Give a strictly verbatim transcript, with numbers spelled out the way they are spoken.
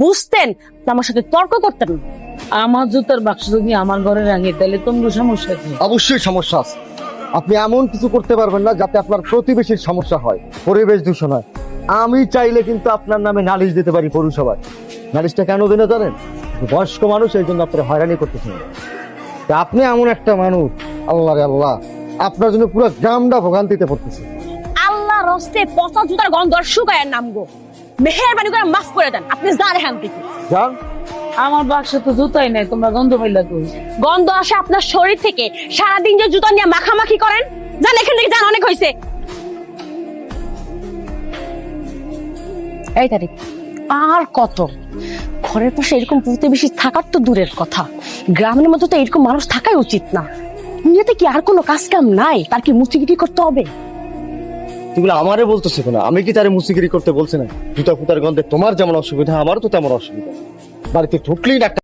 বুঝতেন আমার সাথে তর্ক করতেন না। আমার জুতার বাক্স যদি আমার ঘরে রাখে তাহলে তোমার সমস্যা কি? অবশ্যই সমস্যা আছে। আপনি এমন কিছু করতে পারবেন না যাতে আপনার প্রতিবেশীর সমস্যা হয়, পরিবেশ দূষণ হয়। আমি চাইলে কিন্তু আপনার নামে নালিশ দিতে পারি পৌরসভায়। নালিশটা কেন দিনে জানেন? বয়স্ক মানুষ, এই জন্য আপনার হয়রানি করতেছেন। তা আপনি এমন একটা মানুষ, আল্লাহ রে আল্লাহ, আপনার জন্য পুরো গ্রামটা ভোগান্তিতে পড়তেছে। আল্লাহ রস্তে পচা জুতার গন্ধ শুকায় নামগো, মেহেরবানি করে মাফ করে দেন। আপনি যান এখান থেকে। যান। আমার বাক্সে তো জুতাই নাই, তোমরা গন্ধ পাইলা কই? গন্ধ আসে আপনার শরীর থেকে। সারাদিন যে জুতা নিয়ে মাখামাখি করেন, যান এখান থেকে, যান, অনেক হয়েছে। এই তারিখ আর কত? ঘরের পাশে এরকম প্রতিবেশী থাকার তো দূরের কথা, গ্রামের মধ্যে তো এরকম মানুষ থাকাই উচিত না। দুনিয়াতে কি আর কোনো কাজ কাম নাই? তার কি মুচিগিরি করতে হবে? তুগুলো আমারে বলতেছে কেন? আমি কি তারে মুসিগিরি করতে বলছি না? জুতা ফুতার গন্ধে তোমার যেমন অসুবিধা, আমারও তো তেমন অসুবিধা। বাড়িতে ঢুকলেই না একটা